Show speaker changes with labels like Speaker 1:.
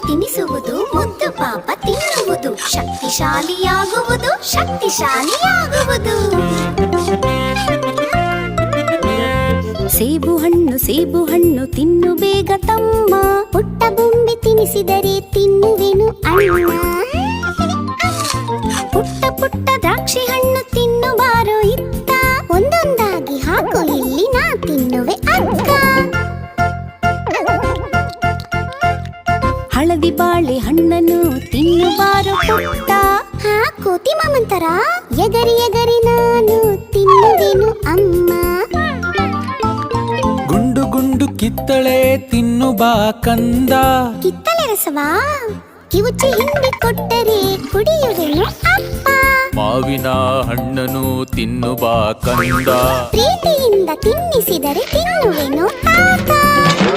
Speaker 1: ತಿನ್ನಿಸುವುದು ಮುದ್ದು ಪಾಪ ತಿನ್ನುವುದು ಶಕ್ತಿಶಾಲಿಯಾಗುವುದು ಶಕ್ತಿಶಾಲಿಯಾಗುವುದು. ಸೇಬು ಹಣ್ಣು ತಿನ್ನು ಬೇಗ ತಮ್ಮ, ಪುಟ್ಟ ಬೊಂಬೆ ತಿನ್ನಿಸಿದರೆ ತಿನ್ನುವೆನು ಅಣ್ಣ. ಪುಟ್ಟ ಪುಟ್ಟ ದ್ರಾಕ್ಷಿ ಹಣ್ಣು ತಿನ್ನುವಾರೋ ಇತ್ತ, ಒಂದೊಂದಾಗಿ ಹಾಕು ಇಲ್ಲಿ ನಾ ತಿನ್ನುವೆ ಅಕ್ಕ. ಹಳದಿ ಬಾಳೆ ಹಣ್ಣನ್ನು ತಿನ್ನುವಾರೋ ಪುಟ್ಟ, ಕೋತಿ ಮಾಮಂತರ ಎಗರಿ ಎಗರಿ ನಾನು ತಿನ್ನುವೆನು ಅಮ್ಮ.
Speaker 2: ಗುಂಡು ಗುಂಡು ಕಿತ್ತಳೆ ತಿನ್ನು ಬಾ ಕಂದ,
Speaker 1: ಕಿತ್ತಳೆ ರಸವಾ ಕಿವುಚಿ ಹಿಂಡಿ ಕೊಟ್ಟರೆ ಕುಡಿಯುವೆನು ಅಪ್ಪ.
Speaker 2: ಮಾವಿನ ಹಣ್ಣನು ತಿನ್ನು ಬಾ ಕಂದ,
Speaker 1: ಪ್ರೀತಿಯಿಂದ ತಿನ್ನಿಸಿದರೆ ತಿನ್ನುವೆನು ತಾತ.